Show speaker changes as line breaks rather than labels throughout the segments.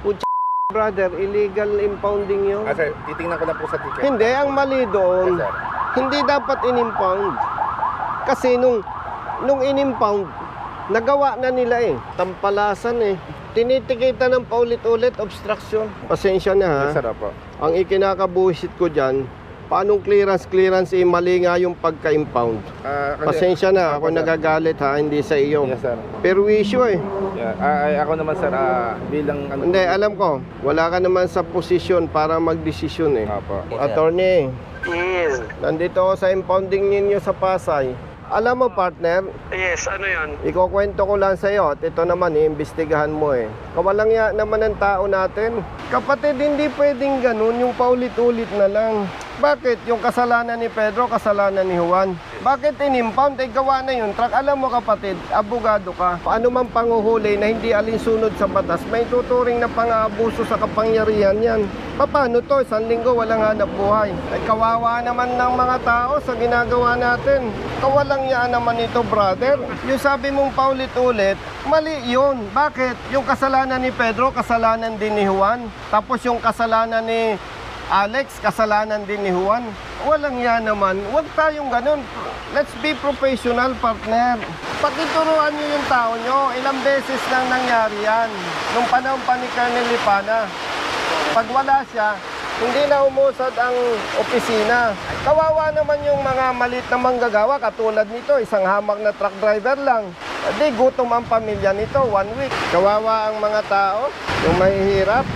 Brother, illegal impounding yun.
Sir, titingnan ko lang po sa ticket.
Hindi, ang mali doon,
Yes, sir.
hindi dapat in-impound. Kasi nung in-impound, nagawa na nila eh. Tampalasan eh. Tinitikita ng paulit-ulit, obstruction. Pasensya na ha.
Yes, sir, opo.
Ang ikinakabuhisit ko dyan, paanong clearance eh, mali nga yung pagka-impound. Pasensya na, ako nagagalit ha, hindi sa iyo.
Yes, sir.
Perwisyo eh.
Yeah. Ako naman, sir, bilang...
Hindi, alam ko, wala ka naman sa posisyon para magdesisyon eh.
Opo.
Attorney,
Yes.
nandito ako sa impounding ninyo sa Pasay. Alam mo partner,
Yes, ano yan?
ikukwento ko lang sa iyo at ito naman iimbestigahan mo eh. Kawalang ya naman ng tao natin. Kapatid, hindi pwedeng ganun yung paulit-ulit na lang. Bakit? Yung kasalanan ni Pedro, kasalanan ni Juan. Bakit in-impound? Gawa na yun. Truck, alam mo kapatid, abogado ka. Paano man panguhuli na hindi alinsunod sa batas, may tuturing na pang-aabuso sa kapangyarihan yan. Paano to? Isang linggo walang hanap buhay. Ay kawawa naman ng mga tao sa ginagawa natin. Kawalang yaan naman ito, brother. Yung sabi mong paulit-ulit, mali yun. Bakit? Yung kasalanan ni Pedro, kasalanan din ni Juan. Tapos yung kasalanan ni Alex, kasalanan din ni Juan. Walang yan naman. Huwag tayong ganun. Let's be professional, partner. Pakituruan nyo yung tao nyo. Ilang beses nang nangyari yan. Nung panahon pa ni Colonel Lipana. Pag wala siya, hindi na umusad ang opisina. Kawawa naman yung mga malit na manggagawa. Katulad nito, isang hamak na truck driver lang. Di gutom ang pamilya nito, 1 week. Kawawa ang mga tao, yung mahihirap.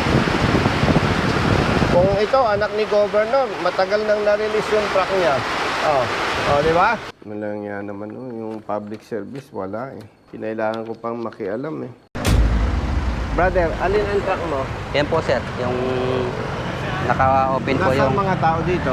Kung ito, anak ni Governor, matagal nang na-release yung truck niya. Di ba? Malang yan naman, yung public service, wala eh. Kinailangan ko pang makialam eh. Brother, alin ang truck mo?
Yan po sir, yung naka-open po
Nasaan
yung...
mga tao dito?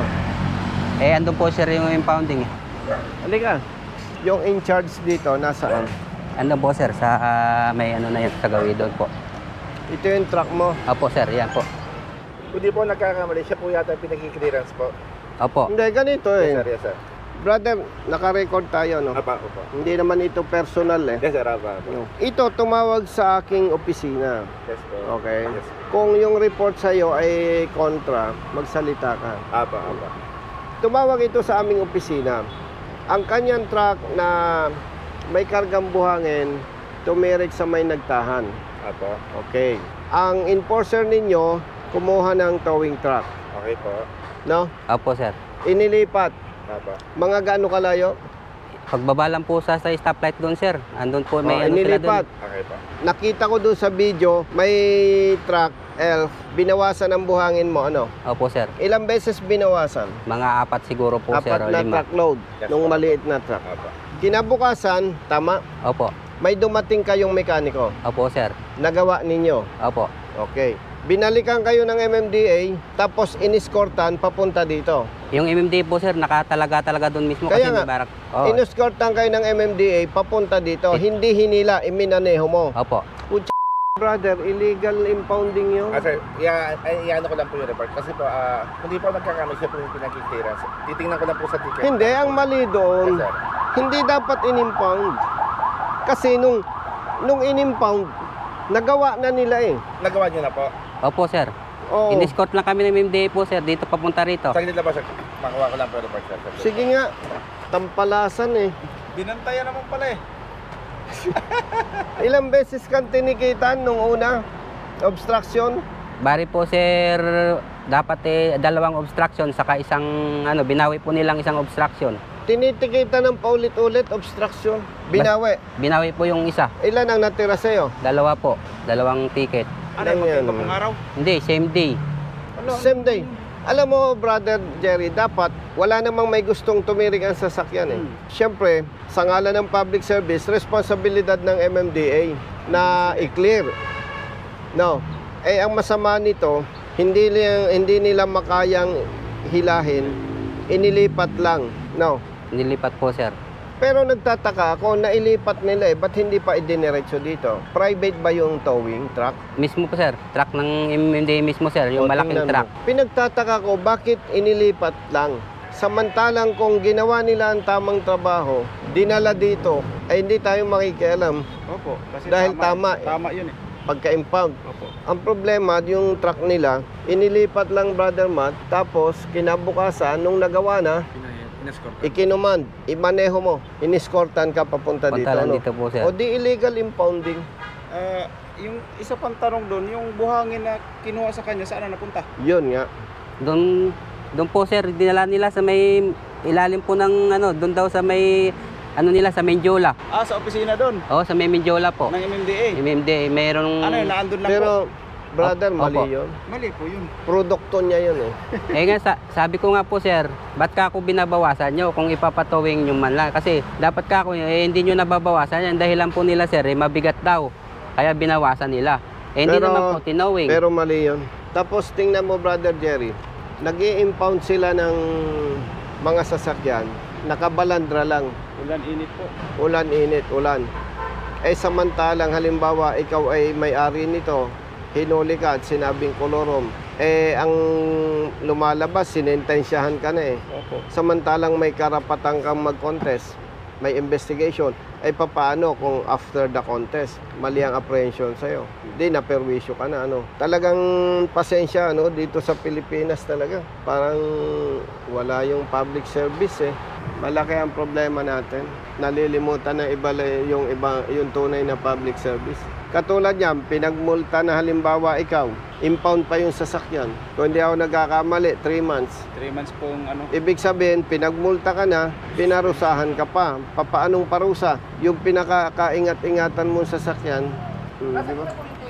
andun po sir yung impounding.
Halika. Yung in charge dito, nasaan?
Andun po sir, sa may ano na yun, sa gawin doon po.
Ito yung truck mo.
Opo sir, yan po.
Hindi po nagkakamali. Siya po yata pinag-clearance po.
Opo.
Hindi, ganito eh.
Yes, sir. Yes, sir.
Brother, naka-record tayo, no?
Opo.
Hindi naman ito personal eh.
Yes, sir. Opo.
No. Ito, tumawag sa aking opisina.
Yes po.
Okay?
Yes.
Kung yung report sa'yo ay kontra, magsalita ka.
Opo.
Tumawag ito sa aming opisina. Ang kanyang truck na may kargang buhangin, tumirik sa may nagtahan.
Opo.
Okay. Ang enforcer ninyo, kumuha ng towing truck.
Okay po.
No?
Opo sir.
Inilipat.
Opo.
Mga gaano kalayo?
Pagbaba lang po sa stoplight doon sir, andun po may ano sila doon.
Inilipat.
Okay po.
Nakita ko doon sa video, may truck, elf, binawasan ang buhangin mo, ano?
Opo sir.
Ilang beses binawasan?
Mga 4 siguro po sir,
Apat
o
na
5.
truckload,
Yes,
nung
po.
maliit na truck.
Opo.
Kinabukasan, tama,
Opo.
may dumating kayong mekaniko.
Opo sir.
Nagawa ninyo.
Opo.
Okay. Binalikan kayo ng MMDA, tapos iniskortan papunta dito.
Yung MMD po sir, nakatalaga doon mismo
Kaya
kasi
nga,
may barak. Oo.
Iniskortan kayo ng MMDA papunta dito. Hindi hinila, iminaneho mo.
Opo.
Brother, illegal impounding yun.
Sir, ano ko lang po yung report. Kasi po, hindi po nagkakamali. Siya po yung pinag-clearance. Titingnan ko lang po sa ticket.
Hindi, ang mali doon,
Yes, sir.
hindi dapat in-impound. Kasi nung in-impound, nagawa na nila eh.
Nagawa niyo na po.
Opo sir.
Oo.
In-escort lang kami ng MMD po sir, dito papunta rito.
Saglit lang po, sir. Makuha ko lang po yung report, sir.
Sige nga, tampalasan eh.
Binantayan naman pala eh.
Ilang beses kang tinikitan nung una? Obstruction?
Bari po sir, dapat 2 obstruction saka isang binawi po nilang isang obstruction.
Tinitikitan ng paulit-ulit, obstruction. Binawi.
Binawi po yung isa.
Ilan ang natira sa'yo?
2 po, 2 ticket.
Ano yan?
Hindi, same day.
Same day. Alam mo, Brother Jerry, dapat wala namang may gustong tumirik ang sasakyan eh. Siyempre, sa ngalan ng public service, responsibilidad ng MMDA na i-clear. No. Ang masama nito, hindi nila makayang hilahin, inilipat lang. No.
Nilipat po sir.
Pero nagtataka ako, nailipat nila eh, ba't hindi pa idiniretso dito? Private ba yung towing truck?
Mismo po sir, truck ng MMD mismo sir, yung
O,
malaking
tingnan
truck.
mo. Pinagtataka ko, bakit inilipat lang? Samantalang kung ginawa nila ang tamang trabaho, dinala dito, ay hindi tayo makikialam.
Opo. Kasi
Dahil tama eh.
Tama yun eh.
pagka-impound.
Opo.
Ang problema, yung truck nila, inilipat lang, Brother Matt, tapos kinabukasan, nung nagawa na, ikinuman, imaneho mo, iniskortan ka papunta dito.
Punta lang
Ano?
dito po, sir.
O di illegal impounding.
Yung isa pang tanong doon, yung buhangin na kinuha sa kanya, saan na napunta?
Yun nga.
Doon po, sir, dinala nila sa may ilalim po ng doon daw sa may nila sa Menjola.
Sa opisina doon,
Oo, sa may Menjola po.
ng MMDA.
MMD, mayroong
Ano yun, naandun lang
Pero,
po?
brother,
Opo.
mali yun.
Mali po yun.
Produkto niya yun eh.
nga sabi ko nga po, sir, ba't ka ako binabawasan nyo kung ipapatowing nyo man lang? Kasi dapat ka ako, hindi nyo nababawasan yan. Dahilan po nila, sir, mabigat daw. Kaya binawasan nila. Hindi naman po tinowing.
Pero mali yun. Tapos tingnan mo, Brother Jerry, nag-i-impound sila ng mga sasakyan, nakabalandra lang.
Ulan init po.
Ulan, init, ulan. Samantalang halimbawa ikaw ay may-ari nito, hinuli ka at sinabing kolorom, ang lumalabas, sinentensyahan ka na eh.
Opo.
Samantalang may karapatan kang mag-contest, may investigation, papaano kung after the contest, mali ang apprehension sa'yo? Di, naperwisyo ka na, Talagang pasensya, dito sa Pilipinas talaga. Parang wala yung public service eh. Malaki ang problema natin. Nalilimutan na yung tunay na public service. Katulad yan, pinagmulta na halimbawa ikaw, impound pa yung sasakyan. Kung hindi ako nagkakamali, 3 months.
3 months pong
Ibig sabihin, pinagmulta ka na, pinarusahan ka pa. Papaanong parusa? Yung pinakakaingat-ingatan mong sasakyan. Di ba?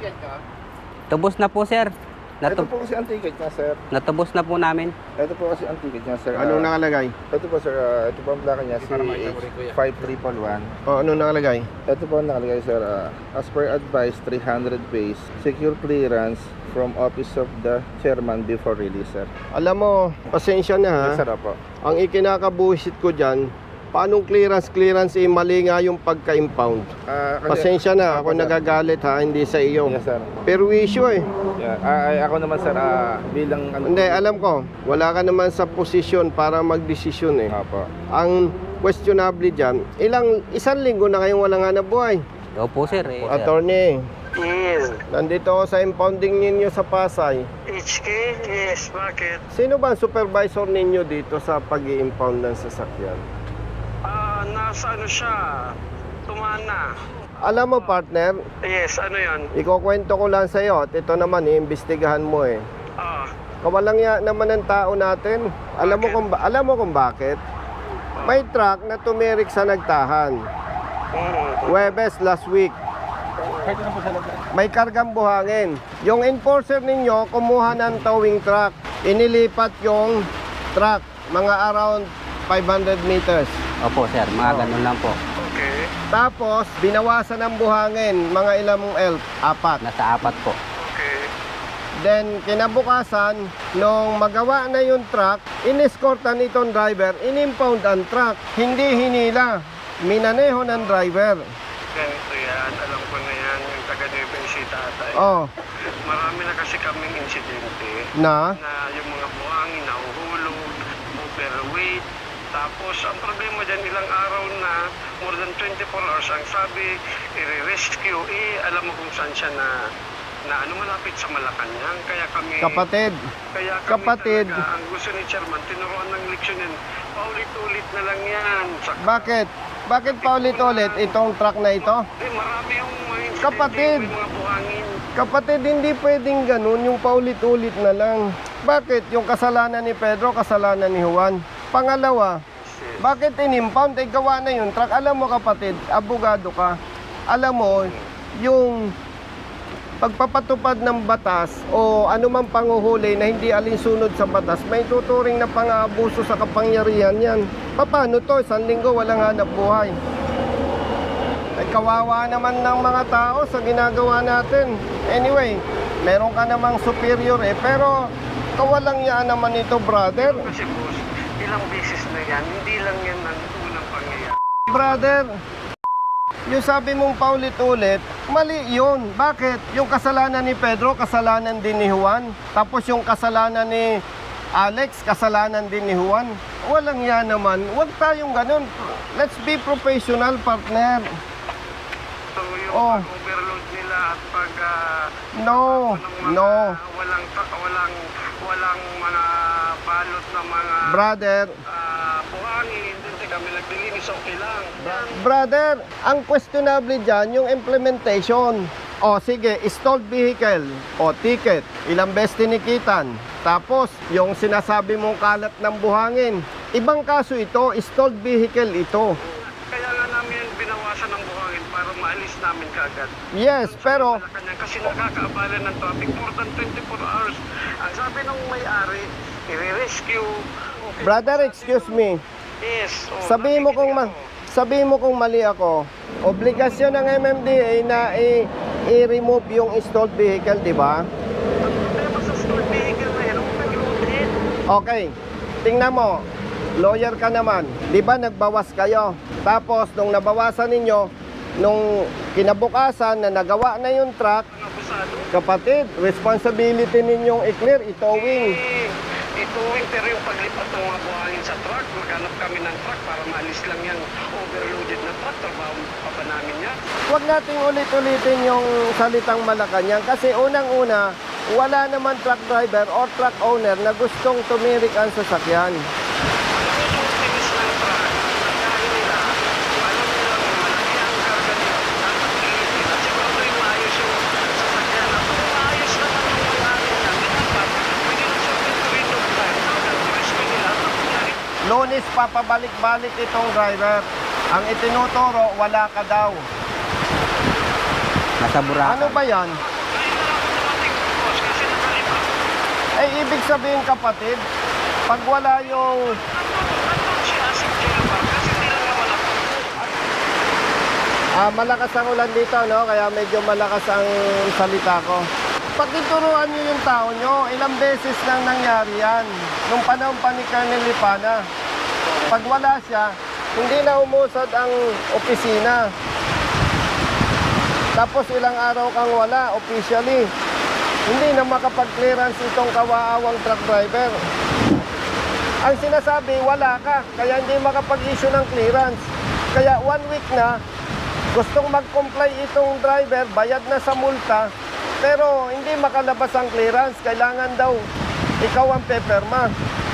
Tubos na po, sir.
Ito po kasi ang ticket niya, sir.
Natubos na po namin.
Ito po kasi ang ticket niya, sir.
Anong nakalagay?
Ito po, sir. Ito po ang plaka niya, CH5311.
Anong nakalagay?
Ito po ang nakalagay, sir. As per advice, 300 base. Secure clearance from office of the chairman before release, sir.
Alam mo, pasensya na ha.
Yes, sir, po.
Ang ikinakabuhisit ko dyan, paanong clearance, mali nga yung pagka-impound. Pasensya na, ako nagagalit ha, hindi sa iyo.
Yes, sir.
Perwisyo eh.
Yeah. Ako naman, sir, bilang...
Hindi, alam ko, wala ka naman sa posisyon para magdesisyon eh.
Apo.
Ang questionable dyan, isang linggo na kayong walang hanap buhay.
Opo, sir.
Attorney,
Yes.
nandito ako sa impounding ninyo sa Pasay.
HK? Yes. Bakit?
Sino ba ang supervisor ninyo dito sa pag-i-impound ng sasakyan?
Nasa siya? Tumana.
Alam mo partner,
Yes, ano yan?
ikukwento ko lang sa iyo at ito naman iimbestigahan mo eh. Kawalang ya naman ng tao natin. Alam mo kung bakit? May truck na tumirik sa nagtahan. Huwebes last week. May kargang buhangin. Yung enforcer ninyo kumuha ng towing truck. Inilipat yung truck mga around 500 meters.
Opo, sir. Mga ganun lang po.
Okay.
Tapos binawasan ng buhangin mga ilang 4.
Nasa 4 po.
Okay.
Then, kinabukasan, nung magawa na yung truck, inescortan itong driver, inimpound ang truck. Hindi hinila, minaneho ng driver.
Ganito yan. Alam ko na yan. Yung taga-Nueva Ecija ata.
Oh,
Marami na kasi kaming insidente
na?
na yung mga buhangin nahuhulog, overweight. Tapos, ang problema dyan, ilang araw na, more than 24 hours, ang sabi, i-rescue, alam mo kung saan siya na malapit sa Malacanang. Kaya kami...
Kapatid,
Kaya kami
kapatid.
talaga, ang gusto ni Chairman, tinuruan ng leksyon yan. Paulit-ulit na lang yan.
bakit? Bakit pa ulit-ulit itong truck na ito?
Marami yung mga insidente,
Kapatid.
may mga buhangin.
Kapatid, hindi pwedeng ganun, yung paulit-ulit na lang. Bakit? Yung kasalanan ni Pedro, kasalanan ni Juan. Pangalawa, bakit inimpound? Gawa na yung truck. Alam mo kapatid, abogado ka. Alam mo, yung pagpapatupad ng batas o anumang panguhuli na hindi alinsunod sa batas, may tuturing na pang-aabuso sa kapangyarihan yan. Paano to? 1 linggo walang hanap buhay. Kawawa naman ng mga tao sa ginagawa natin. Anyway, meron ka namang superior pero kawalang yaan naman ito, brother.
Kasi boss, ilang beses na yan, hindi lang yan ang unang pangyayari.
Brother, yung sabi mong paulit-ulit, mali yun. Bakit? Yung kasalanan ni Pedro, kasalanan din ni Juan. Tapos yung kasalanan ni Alex, kasalanan din ni Juan. Walang yan naman. Huwag tayong ganun. Let's be professional, partner.
So yung
Oh.
overload nila, at pag
No,
ng mga
no.
walang mga balot na mga
Brother,
buhangin, hindi kami naglilinis, okay lang.
brother, ang questionable dyan, yung implementation. O sige, stalled vehicle, o ticket, ilang beses tinikitan. Tapos, yung sinasabi mong kalat ng buhangin. Ibang kaso ito, stalled vehicle ito.
Kaya nga namin binawasan ng buhangin para maalis namin kaagad.
Yes, pero
Malacanang kasi nakakaabala ng traffic more than 24 hours. Ang sabi ng may-ari, i-rescue. Okay,
brother, excuse me.
Yes.
Sabihin mo kung mali ako. Obligasyon ng MMDA na i-remove yung stalled vehicle, di ba?
Problema sa stored vehicle na yan, huwag nag-loaded.
Okay. Tingnan mo. Lawyer ka naman. Di ba nagbawas kayo? Tapos, nung nabawasan ninyo, nung kinabukasan na nagawa na yung truck,
Ang abusado.
kapatid, responsibility ninyong i-clear, itowing.
Ituwing pero yung paglipat ng mga buhangin sa truck, maghanap kami ng truck para maalis lang yung overloaded na truck. Trabaho pa ba namin yan?
Huwag nating ulit-ulitin yung salitang Malacanang kasi unang-una, wala naman truck driver or truck owner na gustong tumirik ang sasakyan.
Yung tinis ng truck, pagkain nila, alam nila malaki ang karga nila, dapat ilitin. At siguro yung maayos yung sasakyan. At kung maayos naman yung buhangin niya, dapat pwede na siya pintuin yung truck. Hanggang rescue nila, mangyari.
Lunes papabalik-balik itong driver. Ang itinuturo, wala ka daw.
Nasa Boracay.
Ano ba yan?
Ngayon na lang ako dumating, boss, kasi nakalipa.
Eh, ibig sabihin kapatid, pag wala yung...
Nandun siya sa jail park kasi hindi lang naman ako.
malakas ang ulan dito, no? Kaya medyo malakas ang salita ko. Pakituruan nyo yung tao nyo. Ilang beses nang nangyari yan. Nung panahon pa ni Colonel Lipana. Pag wala siya, hindi na umusad ang opisina. Tapos ilang araw kang wala, officially. Hindi na makapag-clearance itong kawaawang truck driver. Ang sinasabi, wala ka. Kaya hindi makapag-issue ng clearance. Kaya 1 week na, gustong mag-comply itong driver, bayad na sa multa, pero hindi makalabas ang clearance. Kailangan daw ikaw ang peperma.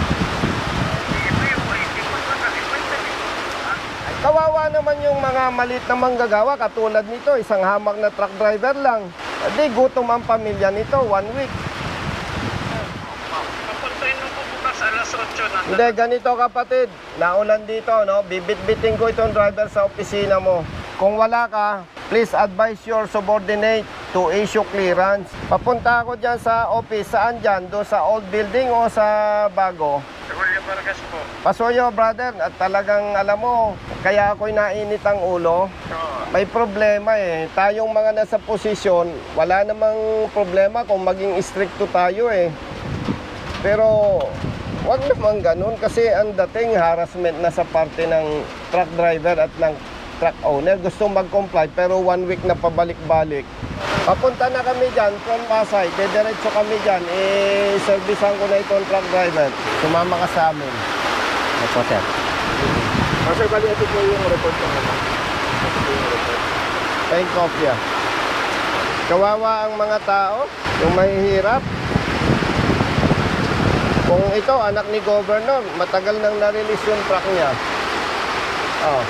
Kawawa naman yung mga malit na manggagawa katulad nito, isang hamak na truck driver lang. Di gutom ang pamilya nito, 1 week.
Papuntahin mo po bukas alas 8 na.
Hindi, ganito kapatid, naulan dito, no? Bibit-biting ko itong driver sa opisina mo. Kung wala ka, please advise your subordinate to issue clearance. Papunta ako dyan sa office, saan dyan? Doon sa old building o sa bago?
Sa Julia Vargas po.
Pasuyo, brother, at talagang alam mo, kaya ako'y nainit ang ulo. May problema eh. Tayong mga nasa posisyon, wala namang problema kung maging stricto tayo eh. Pero wag naman ganun kasi ang dating harassment na sa parte ng truck driver at ng truck owner. Gusto mag-comply pero 1 week na pabalik-balik. Papunta na kami dyan from Pasay. Diretso kami dyan. Servicean ko na itong truck driver. Sumama ka sa amin.
Opo, sir.
Sir, bali ito po yung report ko naman.
Thank kopya. Kawawa ang mga tao, yung mahihirap. Kung ito, anak ni Governor, matagal nang na-release yung truck niya. Oh.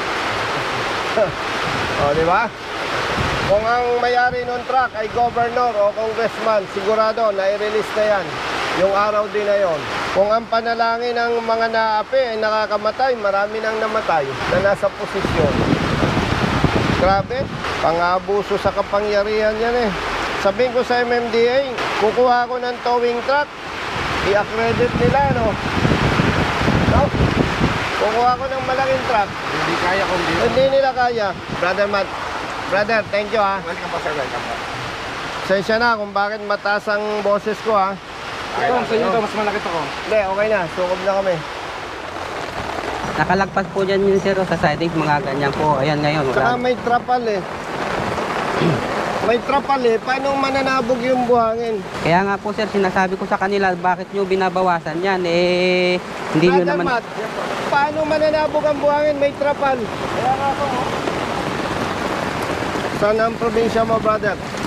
Oh, di ba? Kung ang may-ari ng truck ay Governor o Congressman, sigurado na-release na yan. Yung araw din na yon. Kung ang panalangin ng mga naapi ay nakakamatay, marami nang namatay na nasa posisyon. Grabe, pang-abuso sa kapangyarihan yan eh. Sabihin ko sa MMDA, kukuha ko ng towing truck, i-accredit nila, no? No? Kukuha ko ng malaking truck,
Hindi kaya kung di.
hindi nila kaya. Brother Matt, brother, thank you ha.
Welcome po, sir. Welcome po.
Sensya na kung bakit mataas ang boses ko ha.
Ito, sa inyo ito, mas malaki to ko.
Hindi, okay na, sukob na kami.
Nakalagpas po dyan yun, sir, sa siding, mga ganyan po. Ayan ngayon.
Saka
Wala.
may trapal eh. May trapal eh, paano mananabog yung buhangin?
Kaya nga po, sir, sinasabi ko sa kanila, bakit nyo binabawasan yan? Eh, hindi nyo
Brother
naman...
Matt, paano mananabog ang buhangin? May trapal. Kaya nga ako, Saan ang probinsya mo, brother?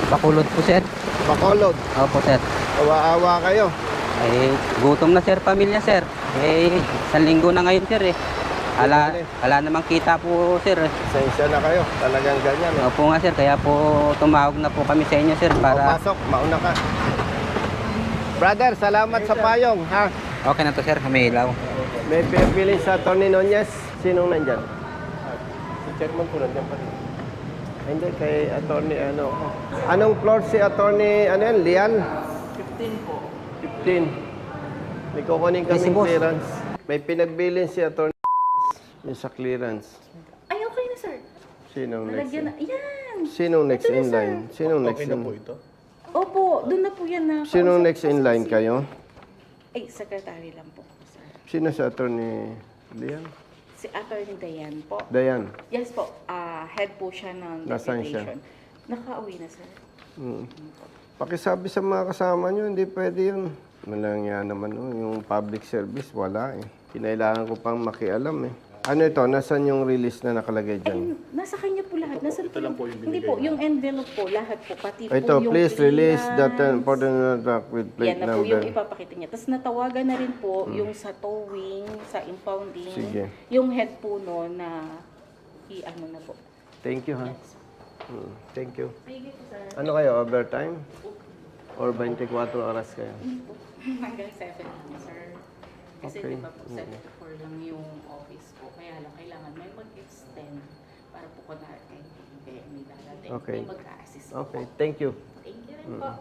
Bakulod po, sir.
Bacolod.
Opo, sir.
Awa-awa kayo.
Eh, gutom na, sir, pamilya, sir. Eh, 1 linggo na ngayon, sir, eh. Ala namang kita po, sir.
Pasensya na kayo. Talagang ganyan. Eh.
Opo nga, sir. Kaya po tumawag na po kami sa inyo, sir, para...
Pasok, mauna ka. Brother, salamat sa payong, ha?
Okay na to, sir. May ilaw.
May pipili sa Tony Nunez. Sinong nandyan? Si Chairman po nandyan pa rin. Hindi, kay attorney ano. Anong floor si attorney, ano yan, Lian? 15 po. 15. May kukunin
Yes,
kaming
boss.
clearance. May pinagbilin si attorney yung sa clearance.
Ay, okay na, sir.
Sinong next?
Nalagyan na. Yan!
Sinong next
Ito na,
in
sir.
line? Sinong next in?
Opo, doon na po yan na.
Sinong next in line kayo?
Ay, secretary lang po, sir.
Sino sa attorney Lian?
Si Attorney Dayan po.
Dayan.
Yes po, head po siya ng
Nasaan siya?
deputation. Nakauwi na, sir.
Pakisabi sa mga kasama nyo, hindi pwede yun. Malang yan naman, no? Yung public service, wala eh. Kinailangan ko pang makialam eh. Ano ito? Nasaan yung release na nakalagay
Ay,
dyan?
nasa kanya po lahat. Nasa ito lang po yung binigay. Hindi po, yung envelope po, lahat po. Pati
Ito,
po yung
please release that
clearance.
important truck with plate
Yan na po yung
number.
ipapakita niya. Tapos natawagan na rin po yung sa towing, sa impounding.
Sige.
Yung head po no na i-ano na po.
Thank you, ha?
Yes.
Thank you.
Sige po, sir.
Ano kayo, overtime? Or 24 oras kayo?
Hindi po. Hanggang 7 lang, sir. Kasi
Okay.
di ba po, 7 to 4 lang yung office po. Kaya lang, kailangan may mag-extend para po kunwari kayo may darating.
Okay.
May mag-assist
Okay,
po.
thank you.
Thank you rin po.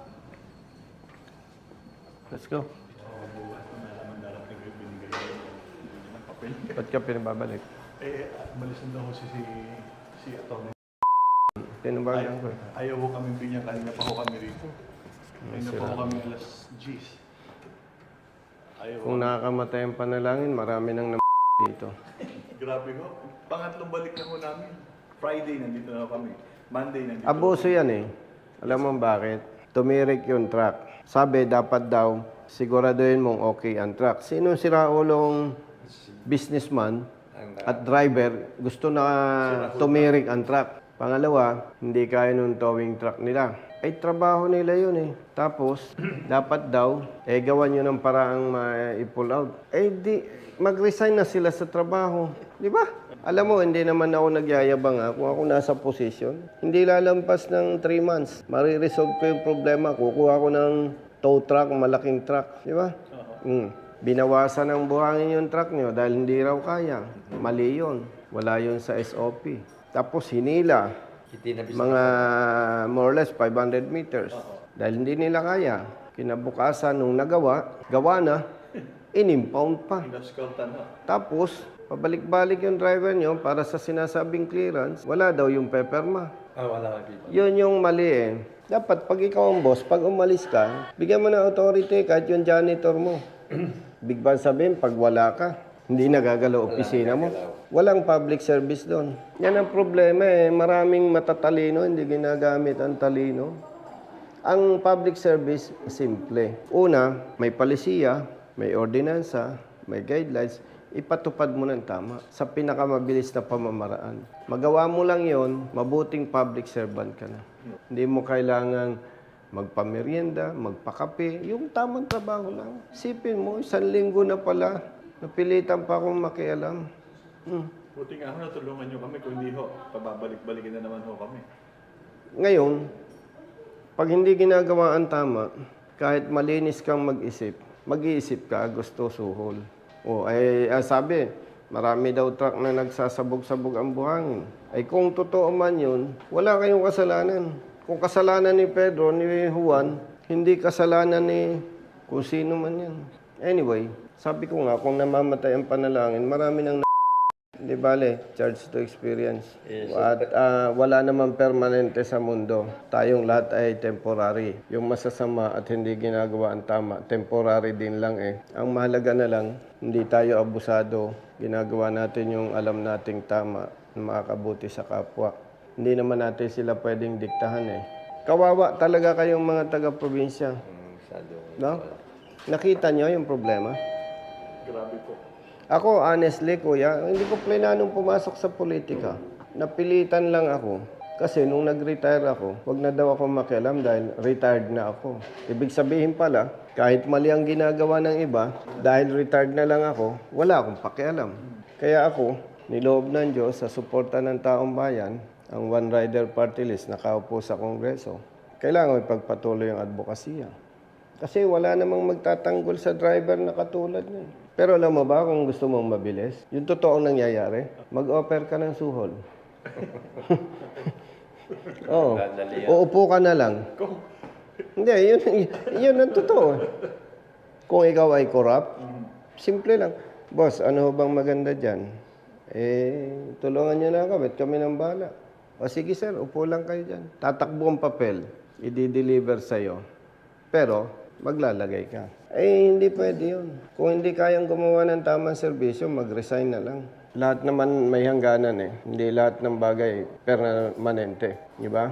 Let's go. Ba't ka pinababalik?
Eh, balisan daw si Atty.
Tinabagan ko eh.
Ayaw ko kami binyan, kanina pa ho kami rito. Kanina pa ho kami alas 10. Ayaw
Kung nakakamatay ang panalangin, marami nang dito.
Grabe ho. Pangatlong balik na ho namin. Friday nandito na ho kami. Monday nandito.
Abuso yan eh. Alam mo bakit? Tumirik yung truck. Sabi, dapat daw, siguraduhin mong okay ang truck. Sino siraulong businessman at driver gusto na tumirik ang truck? Pangalawa, hindi kaya nung towing truck nila. Ay, trabaho nila yun eh. Tapos, dapat daw, gawan nyo ng paraang ma-pull out. Eh, di, mag-resign na sila sa trabaho. Di ba? Alam mo, hindi naman ako nagyayabang ha. Kung ako nasa posisyon, hindi lalampas ng 3 months. Mariresolve ko yung problema. Kukuha ko ng tow truck, malaking truck. Di ba? Binawasan ng buhangin yung truck nyo dahil hindi raw kaya. Mali yun. Wala yun sa SOP. Tapos hinila. Mga more or less 500 meters. Dahil hindi nila kaya. Kinabukasan nung nagawa, gawa na, in-impound pa.
Inaskaltan ho.
Tapos, pabalik-balik yung driver nyo para sa sinasabing clearance, wala daw yung peperma.
Wala kami.
Yun yung mali eh. Dapat pag ikaw ang boss, pag umalis ka, bigyan mo ng authority kahit yung janitor mo. Big bang sabihin, pag wala ka, hindi nagagalaw opisina mo. Walang public service doon. Yan ang problema eh. Maraming matatalino, hindi ginagamit ang talino. Ang public service, simple. Una, may palisiya, may ordinansa, may guidelines. Ipatupad mo ng tama sa pinakamabilis na pamamaraan. Magawa mo lang yon, mabuting public servant ka na. Hindi mo kailangang magpamerienda, magpakape, yung tamang trabaho lang. Isipin mo, 1 linggo na pala, napilitan pa akong makialam.
Buti nga ho, natulungan nyo kami. Kung hindi ho, pababalik-balikin na naman ho kami.
Ngayon, pag hindi ginagawa ang tama, kahit malinis kang mag-isip, mag-iisip ka, gusto suhol. Sabi, marami daw truck na nagsasabog-sabog ang buhangin. Ay kung totoo man yun, wala kayong kasalanan. Kung kasalanan ni Pedro, ni Juan, hindi kasalanan ni kung sino man yan. Anyway, sabi ko nga, kung namamatay ang panalangin, marami nang di bale, charge to experience. At wala naman permanente sa mundo. Tayong lahat ay temporary. Yung masasama at hindi ginagawa ang tama, temporary din lang eh. Ang mahalaga na lang, hindi tayo abusado. Ginagawa natin yung alam nating tama na makakabuti sa kapwa. Hindi naman natin sila pwedeng diktahan eh. Kawawa talaga kayong mga taga-probinsya. No? Nakita nyo yung problema?
Grabe po.
Ako, honestly, kuya, hindi ko plananong pumasok sa politika. Napilitan lang ako. Kasi nung nag-retire ako, wag na daw ako makialam dahil retired na ako. Ibig sabihin pala, kahit mali ang ginagawa ng iba, dahil retired na lang ako, wala akong pakialam. Kaya ako, niloob ng Diyos sa suporta ng taong bayan, ang One Rider Party List nakaupo sa Kongreso, kailangan ipagpatuloy ang advokasya. Kasi wala namang magtatanggol sa driver na katulad niya. Pero alam mo ba kung gusto mong mabilis? Yung totoong nangyayari, mag-offer ka ng suhol. Oo. Uupo ka na lang. Hindi, yun ang totoo. Kung ikaw ay corrupt, simple lang. Boss, ano bang maganda dyan? Tulungan nyo na kami, kami ng bala. O sige sir, upo lang kayo dyan. Tatakbo ang papel, i-deliver sa'yo. Pero, maglalagay ka. Hindi pwede yun. Kung hindi kayang gumawa ng tamang serbisyo, mag-resign na lang. Lahat naman may hangganan eh. Hindi lahat ng bagay permanente. Di ba?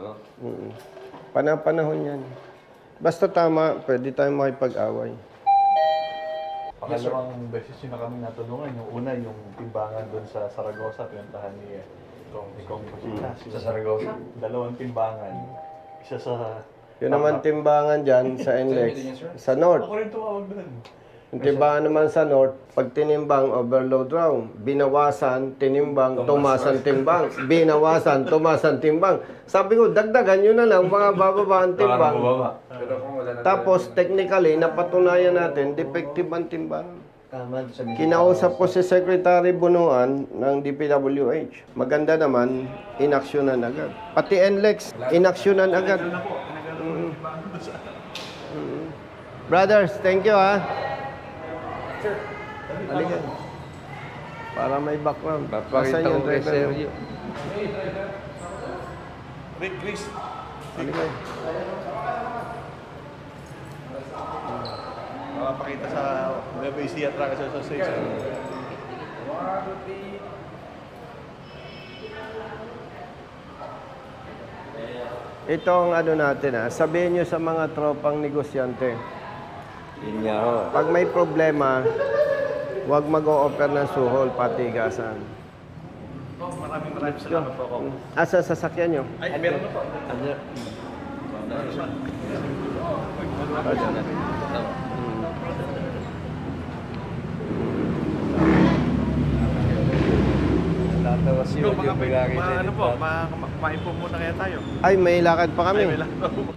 Panahon yan. Basta tama, pwede tayong makipag-away.
Pangalawang beses yun na kami natulungan. Yung una, yung timbangan doon sa Saragossa, pinuntahan ni Kong Pasitas. Sa Saragossa? Dalawang timbangan. Isa sa...
Yun naman timbangan dyan sa NLEX, sa North.
Ako rin tumawag doon.
Yung timbangan naman sa North, pag tinimbang, overload raw. Binawasan, tinimbang, tumasan timbang. Binawasan, tumasan timbang. Sabi ko, dagdagan nyo na lang, mga bababa ang timbang. Tapos, technically, napatunayan natin, defective ang timbang. Kinausap ko si Secretary Bunuan ng DPWH. Maganda naman, inaksyonan agad. Pati NLEX, inaksyonan agad. Brothers, thank you ha. Halika. Para may background. Nasaan yung driver mo?
Rick, Chris.
Halika.
Makapakita sa Nueva Ecija Truckers Association.
Itong ano natin ha, sabihin nyo sa mga tropang negosyante. Pag may problema, huwag mag-o-offer ng suhol, patigasan.
Maraming salamat po ako.
Asa sasakyan nyo?
Ay, meron na po. Ano po, maipo muna kaya tayo.
Ay, may lakad pa kami.
Ay, may lakad.